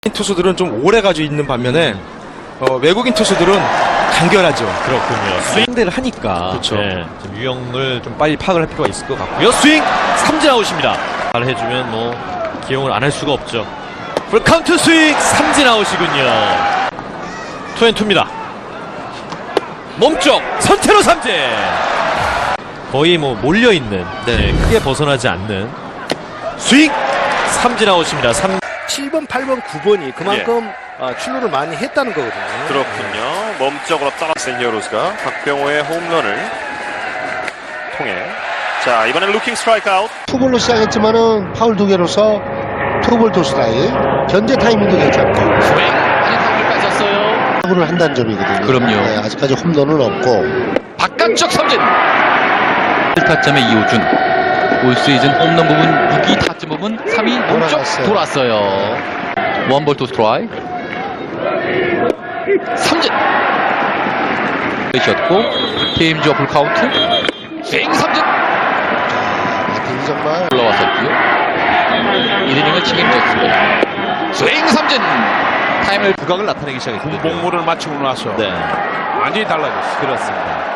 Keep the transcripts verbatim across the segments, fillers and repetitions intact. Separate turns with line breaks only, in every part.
투수들은 좀 오래 가지고 있는 반면에 어, 외국인 투수들은 간결하죠.
그렇군요. 스윙대를 하니까
그렇죠.
네, 좀 유형을 좀 빨리 파악을 할 필요가 있을 것 같고요. 스윙 삼진 아웃입니다. 잘 해주면 뭐 기용을 안 할 수가 없죠. 풀카운트 스윙 삼진 아웃이군요. 투앤투입니다. 몸쪽 선태로 삼진. 거의 뭐 몰려있는
네.
네, 크게 벗어나지 않는 스윙 삼진 아웃입니다. 삼...
칠 번, 팔 번, 구 번이 그만큼 어, 출루를 많이 했다는 거거든요.
그렇군요. 몸쪽으로 떨어진 히어로즈가 박병호의 홈런을 통해 자 이번엔 루킹 스트라이크 아웃.
투볼로 시작했지만은 파울 두 개로서 투볼 투 스트라이크. 견제 타이밍도 괜찮고
스윙 아니 타구를 뺏었어요.
타구를 한다는 점이거든요.
그럼요.
네, 아직까지 홈런은 없고.
바깥쪽 삼진 일 타점의 이호준. 올 시즌 홈런 부분 육 위, 타점 부분 삼 위 몸쪽
돌아갔어요.
돌았어요. 원볼 투 스트라이크. 삼진 셨고 게임 주어 풀 카운트. 스윙 삼진
바팅이 정말
올라왔었고요. 일 이닝을 책임졌습니다. 스윙 삼진 타임을
부각을 나타내기 시작했거든요.
공복무를 마치고 나서
네,
완전히 달라졌어요.
그렇습니다.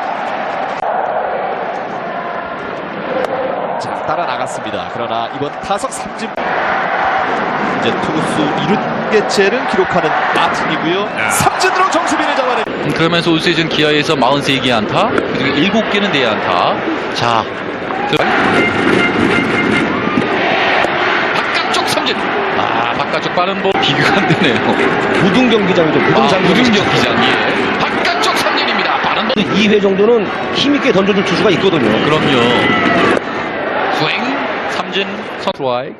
자, 따라 나갔습니다. 그러나 이번 타석 삼진. 이제 투구수 이루 개체를 기록하는 마틴이고요. 삼진으로 정수빈을 잡아내.
음, 그러면서 올 시즌 기아에서 사십삼 개 안타 그리고 일곱 개는 내야 안타. 자 바깥쪽 삼진. 아 바깥쪽 빠른 볼 비교가 안 되네요.
무등 경기장이죠. 무등
아,
장기.
무등 경기장. 예. 바깥쪽 삼진입니다. 빠른 볼.
이 회 정도는 힘있게 던져줄 투수가 있거든요.
그럼요. 스윙 삼진 선트라이.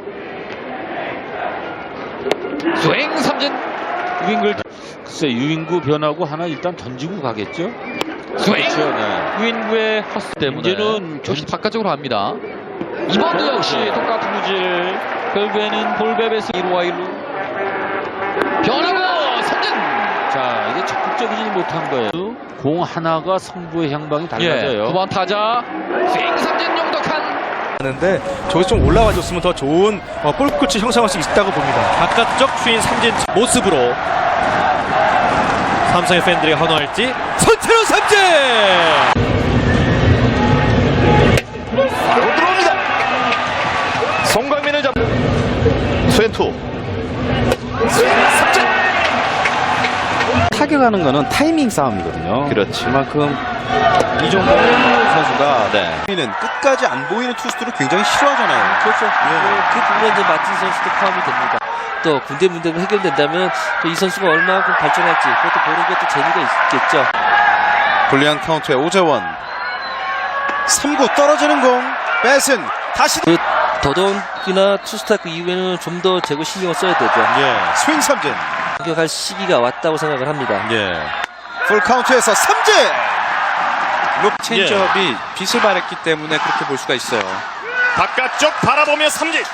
스윙 삼진
유인구를 글쎄 유인구 변하고 하나 일단 던지고 가겠죠.
스윙
그렇죠, 네.
유인구의 헛스 때문에
이제는
조금 바깥쪽으로 합니다. 이번도 역시 똑같은 구질. 결국에는 볼베베스 일 루 일 루 변하고 삼진.
자 이게 적극적이지 못한 거예요. 공 하나가 승부의 향방이 달라져요.
예, 구 번 타자 스윙 삼진 용덕한.
하는데 저기 좀 올라와 줬으면 더 좋은 어, 볼 끝이 형성할 수 있다고 봅니다.
바깥쪽 스윙 삼진 모습으로 삼성의 팬들이 환호할지. 선태로 삼진.
바로 들어옵니다. 송강민을 잡. 스웬투. 스윙 삼진.
타격하는 거는 타이밍 싸움이거든요.
그렇지.
그만큼 이 정도 선수가
네.
는 끝까지 안 보이는 투수들을 굉장히 싫어하잖아요.
그렇죠. 그 부분에 이제 마틴 선수도 포함이 됩니다. 또 군대 문제가 해결된다면 또 이 선수가 얼마만큼 발전할지 그것도 보는 것도 재미가 있겠죠.
불리한 카운트의 오재원. 삼 구 떨어지는 공. 뺏은 다시
그 더더욱이나 투스타크 이후에는 좀 더 제거 신경을 써야 되죠.
예. 스윙 삼진.
공격할 시기가 왔다고 생각을 합니다.
예. 풀 카운트에서 삼진. 룩
체인지업이
예. 빛을 발했기 때문에 그렇게 볼 수가 있어요.
바깥쪽 바라보며 삼진.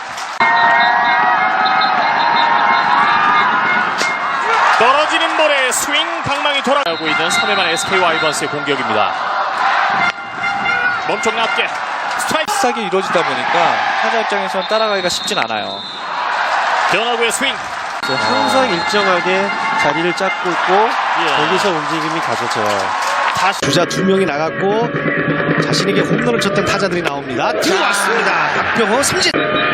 떨어지는 볼에 스윙 방망이 돌아가고 있는 삼 회만 에스케이 와이번스의 공격입니다. 몸쪽 낮게 스트라이크.
비싸게 이루어지다 보니까 타자 입장에서는 따라가기가 쉽진 않아요.
변화구의 스윙.
항상 일정하게 자리를 잡고 있고
예.
거기서 움직임이 가져져요.
다시
주자 두 명이 나갔고 자신에게 홈런을 쳤던 타자들이 나옵니다. 들어왔습니다. 박병호 삼진.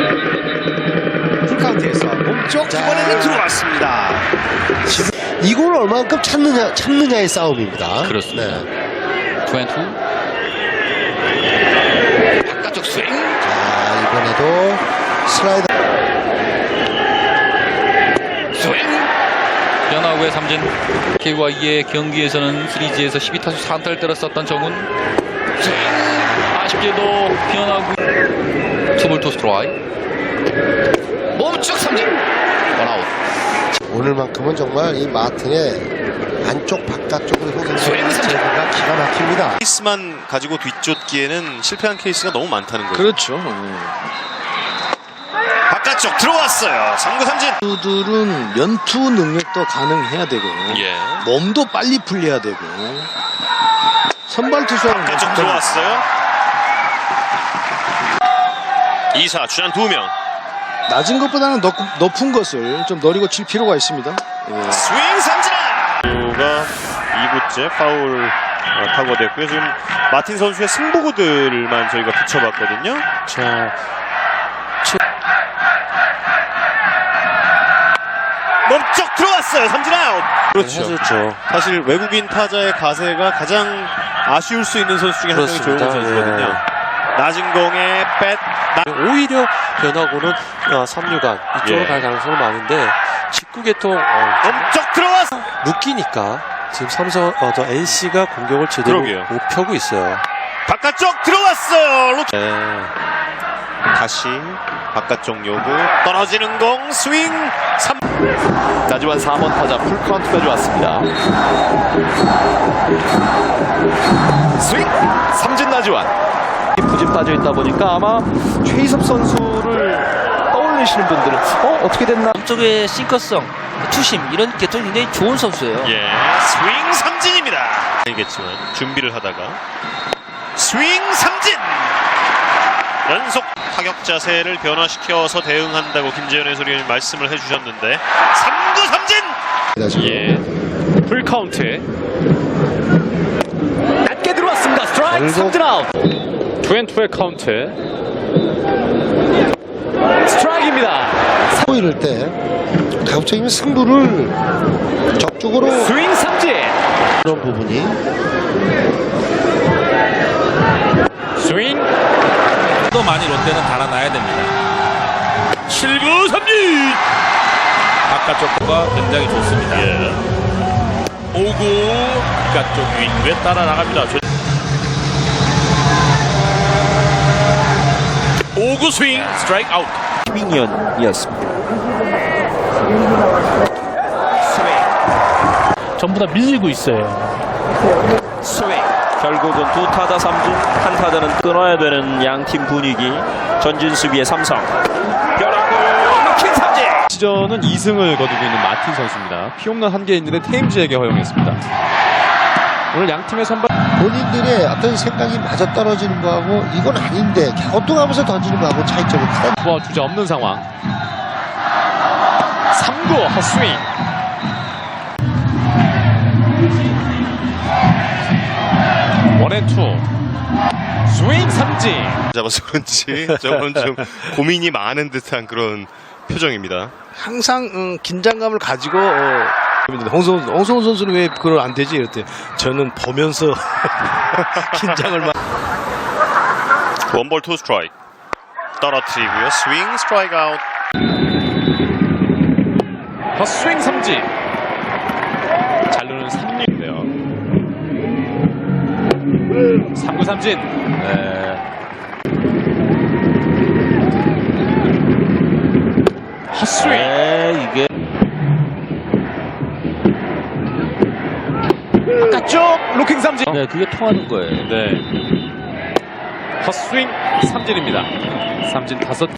풀카운트에서 몸쪽 이번에는 들어왔습니다.
이걸 얼마만큼 참느냐 참느냐의 싸움입니다.
그렇습니다.
네.
투앤투 바깥쪽 스윙.
자 이번에도 슬라이더.
스윙 변화구의 삼진. 케이와이의 경기에서는 시리즈에서 십이 타수 사 안타를 때렸었던 정훈. 스윙 아쉽게도 변화구 투볼 투 스트라이크. 몸쪽 삼진 원아웃.
오늘만큼은 정말 이 마틴의 안쪽 바깥쪽으로 흐르는
스윙 삼진.
제구가 기가 막힙니다.
케이스만 가지고 뒤쫓기에는 실패한 케이스가 너무 많다는 거죠.
그렇죠.
바깥쪽 들어왔어요. 삼 구 삼진.
투수들은 연투 능력도 가능해야 되고
예.
몸도 빨리 풀려야 되고 선발 투수는
바깥쪽 들어왔어요. 이 사 주전 두 명.
낮은 것보다는 높, 높은 것을 좀 노리고 칠 필요가 있습니다.
스윙 삼진아! 가 이 구째 파울 어, 타구됐고요. 지금 마틴 선수의 승부구들만 저희가 붙여봤거든요.
자,
멈쩍 들어왔어요. 삼진 아웃.
그렇죠. 해줬죠.
사실 외국인 타자의 가세가 가장 아쉬울 수 있는 선수 중에 한 명이 조용호
그렇습니다.
선수거든요.
예.
낮은 공에 뱃
오히려 변화구는 어, 삼루간 이쪽으로
예.
갈 가능성은 많은데 직구 개통 어,
멈쩍 들어왔어.
묶이니까 지금 삼성 어, 저 엔씨가 공격을 제대로
그러게요.
못 펴고 있어요.
바깥쪽 들어왔어요. 로... 네. 다시 바깥쪽 요구 떨어지는 공 스윙 삼.
나지완 사 번 타자 풀카운트까지 왔습니다. 스윙 삼진 나지완. 부진 빠져 있다 보니까 아마 최희섭 선수를 떠올리시는 분들은 어 어떻게 됐나?
쪽의 싱커성, 투심 이런 개통이 굉장히 좋은 선수예요.
예, 스윙 삼진입니다. 알겠지만 준비를 하다가 스윙 삼진. 연속 타격 자세를 변화시켜서 대응한다고 김재현 해설위원이 말씀을 해주셨는데 삼 구 삼진.
예, 풀카운트에 낮게 들어왔습니다. 스트라이크 삼진 아웃. 투앤투의 카운트. 스트라이크입니다.
이럴 때 가급적이면 승부를 적극적으로
스윙 삼진.
그런 부분이
스윙. 또 많이 롯데는 달아나야 됩니다. 칠 구 삼진. 바깥쪽과 굉장히 좋습니다. 예. 오 구 바깥쪽 윙에 따라 나갑니다. 오 구 스윙 스트라이크 아웃.
윙이었습니다.
전부 다 밀리고 있어요.
스윙. 결국은 두 타자 삼진, 한 타자는 끊어야 되는 양팀 분위기. 전진 수비의 삼성. 변화구 루킹 삼진.
시전은 이 승을 거두고 있는 마틴 선수입니다. 피홈런 한 개 있는데 테임즈에게 허용했습니다. 오늘 양팀의 선발
본인들의 어떤 생각이 맞아떨어지는 거하고 이건 아닌데 갸우뚱하면서 던지는 거하고 차이점이 크다.
투아웃 주자 없는 상황. 삼 구 헛스윙. 원앤투 스윙 삼진.
잡아서 그런지 저건 좀 고민이 많은 듯한 그런 표정입니다.
항상 음, 긴장감을 가지고 어, 홍성훈, 홍성훈 선수는 왜 그걸 안 되지? 이랬더니 저는 보면서 긴장을 막.
원볼 투 스트라이크 떨어뜨리고요. 스윙 스트라이크 아웃.
헛스윙 삼진. 잘루는 삼 루인데요. 삼 구 삼진. 네. 헛스윙.
네, 이게
바깥쪽 로킹 삼진.
네, 그게 통하는 거예요.
네. 헛스윙 삼진입니다. 삼진 다섯.